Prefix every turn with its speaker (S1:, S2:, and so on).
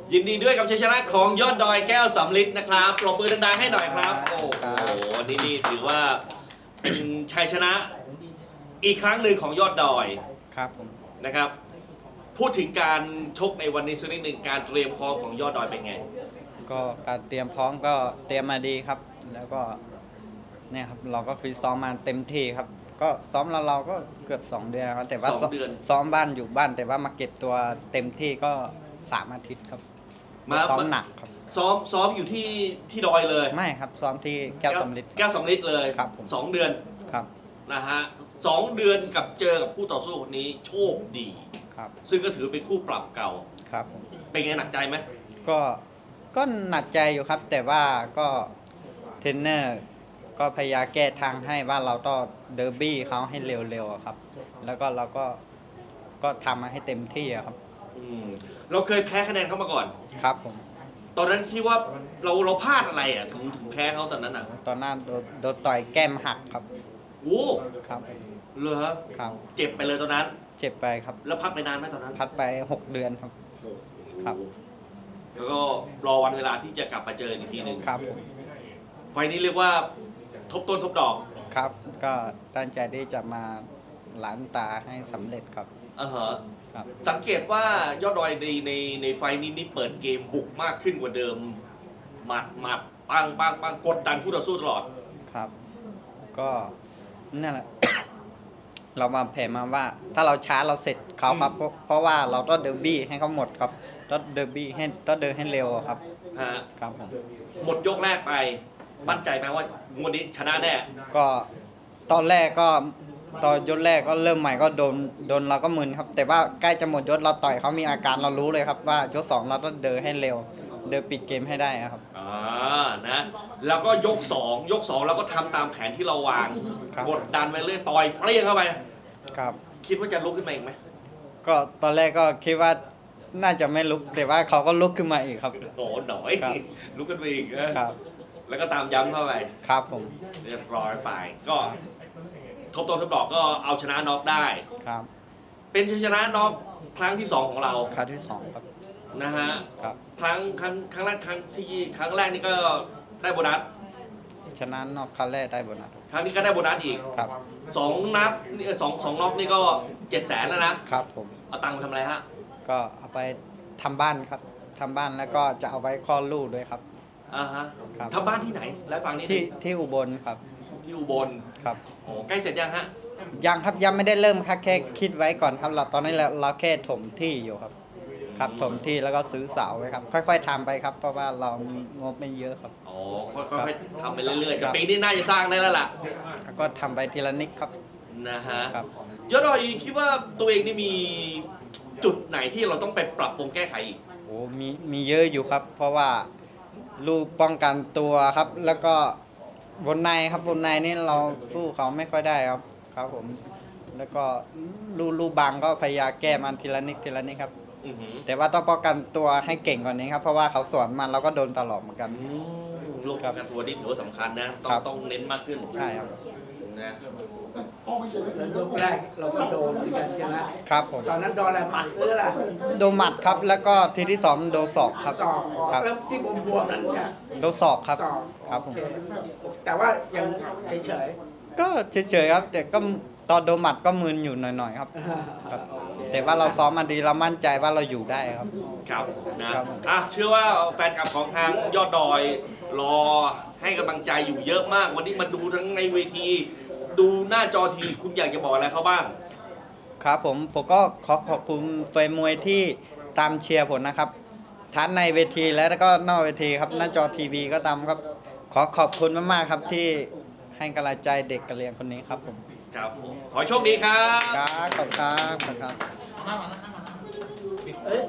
S1: ยินดีด้วยกับชัยชนะของยอดดอยแก้วสำลิดนะครับปรบมือดังๆให้หน่อยครับโอ้โหนี่ถือว่าเป็นชัยชนะอีกครั้งหนึ่งของยอดดอย
S2: ครับผม
S1: นะครับพูดถึงการชกในวันนี้สักนิดหนึ่งการเตรียมพร้อมของยอดดอยเป็นไง
S2: ก็การเตรียมพร้อมก็เตรียมมาดีครับ แล้วก็เนี่ยครับเราก็ฟิตซ้อมมาเต็มที่ครับก็ซ้อมเราก็เกือบ2 เดือนครับแต่ว่าซ้อมบ้านอยู่บ้านแต่ว่ามาเก็บตัวเต็มที่ก็3 อาทิตย์ครับซ้อมหนักครับ
S1: ซ้อมอยู่ที่ดอยเลย
S2: ไม่ครับซ้อมที่แก้วสำลิด
S1: เลย
S2: ครับ
S1: 2 เดือน
S2: ครับ
S1: นะฮะ2 เดือนกับเจอกับคู่ต่อสู้คนนี้โชคดี
S2: ครับ
S1: ซึ่งก็ถือเป็นคู่ปรับเก่า
S2: ครับ
S1: เป็นไงหนักใจไหม
S2: ก็หนักใจอยู่ครับแต่ว่าก็เทรนเนอร์ก็พยายามแก้ทางให้ว่าเราต้องเดอร์บี้เขาให้เร็วๆครับแล้วก็เราก็ทำมาให้เต็มที่ครับ
S1: เราเคยแพ้คะแนนเขามาก่อน
S2: ครับผม
S1: ตอนนั้นคิดว่าเราพลาดอะไรอ่ะถึงแพ้เขาตอนนั้นอ่ะ
S2: ตอนนั้นโดนต่อยแก้มหักครับ
S1: โอ้
S2: ครับ
S1: เหรอ
S2: ครับ
S1: เจ็บไปเลยตอนนั้น
S2: เจ็บไปครับ
S1: แล้วพักไปนานไหมตอนนั้น
S2: พักไป6 เดือนครับครับ
S1: แล้วก็รอวันเวลาที่จะกลับมาเจออีกทีหนึ่ง
S2: ครับ
S1: ไฟนี้เรียกว่าทบต้นทบดอก
S2: ครับก็ตั้งใจที่จะมาล้างตาให้สำเร็จครับ
S1: ครับสังเกตว่ายอดดอยในไฟนี้นี่เปิดเกมบุกมากขึ้นกว่าเดิมหมัดปังกดดันคู่ต่อสู้ตลอด
S2: ครับก็นั่นแหละ เรามาแผนมาว่าถ้าเราช้าเราเสร็จเขาครับเพราะว่าเราต้องเดอร์บี้ให้เขาหมดครับต้องเดอร์บี้ให้ต้องเดินให้เร็วครับครับผม
S1: หมดยกแรกไปมั่นใจไหมว่างวดนี้ชนะแน่
S2: ก็ตอนแรกก็ตอนยกแรกก็เริ่มใหม่ก็โดนเราก็มึนครับแต่ว่าใกล้จะหมดยกเราต่อยเขามีอาการเรารู้เลยครับว่ายก2เราต้องเดินให้เร็วเดินปิดเกมให้ได้ครับ
S1: นะแล้วก็ยก2เราก็ทำตามแผนที่เราวางกดดันไปเรื่อยต่อยเปรี้ยงเข้าไป
S2: ครับ
S1: คิดว่าจะลุกขึ้นมาอีกไหม
S2: ก็ตอนแรกก็คิดว่าน่าจะไม่ลุกแต่ว่าเขาก็ลุกขึ้นมาอีกครับ
S1: โอ้หน่อยลุกขึ้นมาอีกครับแล้วก็ตามย้ำเข้าไป
S2: ครับผม
S1: เรียบร้อยไปก็ทบต้นทบดอกก็เอาชนะน็อกได้
S2: ครับ
S1: เป็นชัยชนะน็อกครั้งที่2ของเรา
S2: ครั้งที่2ครับ
S1: นะฮะ
S2: ครับ
S1: ครั้งแรกครั้งนี่ก็ได้โบนัส
S2: ชนะน็อกครั้งแรกได้โบนัส
S1: ครั้งนี้ก็ได้โบนัสอีก
S2: ครับ
S1: 2 นัด2น็อกนี่ก็700,000แล้ว
S2: นะครับผม
S1: เอาตังค์ไปทำอะไรฮะ
S2: ก็เอาไปทำบ้านครับทำบ้านแล้วก็จะเอาไว้คลอดลูกด้วยครับ
S1: ทำบ้านที่ไหนและฟังนี้
S2: ที่อุบลครับ
S1: ที่อุบล
S2: ครับ
S1: โอ้ใกล้เสร็จยังฮะ
S2: ยังครับยังไม่ได้เริ่มครับแค่คิดไว้ก่อนครับตอนนี้เราแค่ถมที่อยู่ครับถมที่แล้วก็ซื้อเสาไว้ครับค่อยๆทำไปครับเพราะว่าเรามีงบไม่เยอะครับ
S1: อ๋อค่อยๆทำไปเรื่อยๆปีนี้น่าจะสร้างได้แล้วล่ะ
S2: ก็ทำไปทีละนิดครับ
S1: นะฮะยอดดอยคิดว่าตัวเองนี่มีจุดไหนที่เราต้องไปปรับปรุงแก้ไขอีก
S2: โอ้มีเยอะอยู่ครับเพราะว่าลูกป้องกันตัวครับแล้วก็วนในครับวนในนี่เราสู้เขาไม่ค่อยได้ครับผมแล้วก็ลูกบางก็พยายามแก้มันทีละนิดครับแต่ว่าต้องป้องกันตัวให้เก่งกว่านี้ครับเพราะว่าเขาสวนมันเราก็โดนตลอดเหมือนกัน
S1: ลูกป้องกันตัวนี่ถือว่าสำคัญนะต้องเน้นมากขึ้น
S2: ใช่ครับ
S1: นะ
S3: แล้วยกแรกเราก็โดนเหมือนกันใช่ไหม
S2: ครับผม
S3: ตอนนั้นโดนอะไรหมัดหรืออะไร
S2: โดนหมัดครับแล้วก็ทีที่2โดนศอกครับ
S3: ศอกแล้วที่บวมๆนั้นเนี่ย
S2: โดนศอกครับครับผม
S3: แต่ว่ายังเฉย
S2: ๆก็เฉยๆครับแต่ก็ตอนโดนหมัดก็มึนอยู่หน่อยๆครับแต่ว่าเราซ้อมมาดีเรามั่นใจว่าเราอยู่ได้ครับ
S1: ครับนะเชื่อว่าแฟนคลับของทางยอดดอยรอให้กำลังใจอยู่เยอะมากวันนี้มาดูทั้งในเวทีดูหน้าจอทีคุณอยากจะบอกอะไรเขาบ้าง
S2: ครับผมก็ขอบคุณแฟนมวยที่ตามเชียร์ผมนะครับทั้งในเวทีและก็นอกเวทีครับหน้าจอทีวีก็ตามครับขอบคุณมากๆครับที่ให้กำลังใจเด็กกะเหรี่ยงคนนี้ครับผม
S1: ครับขอโชคดีครับ
S2: ขอบคุณครับ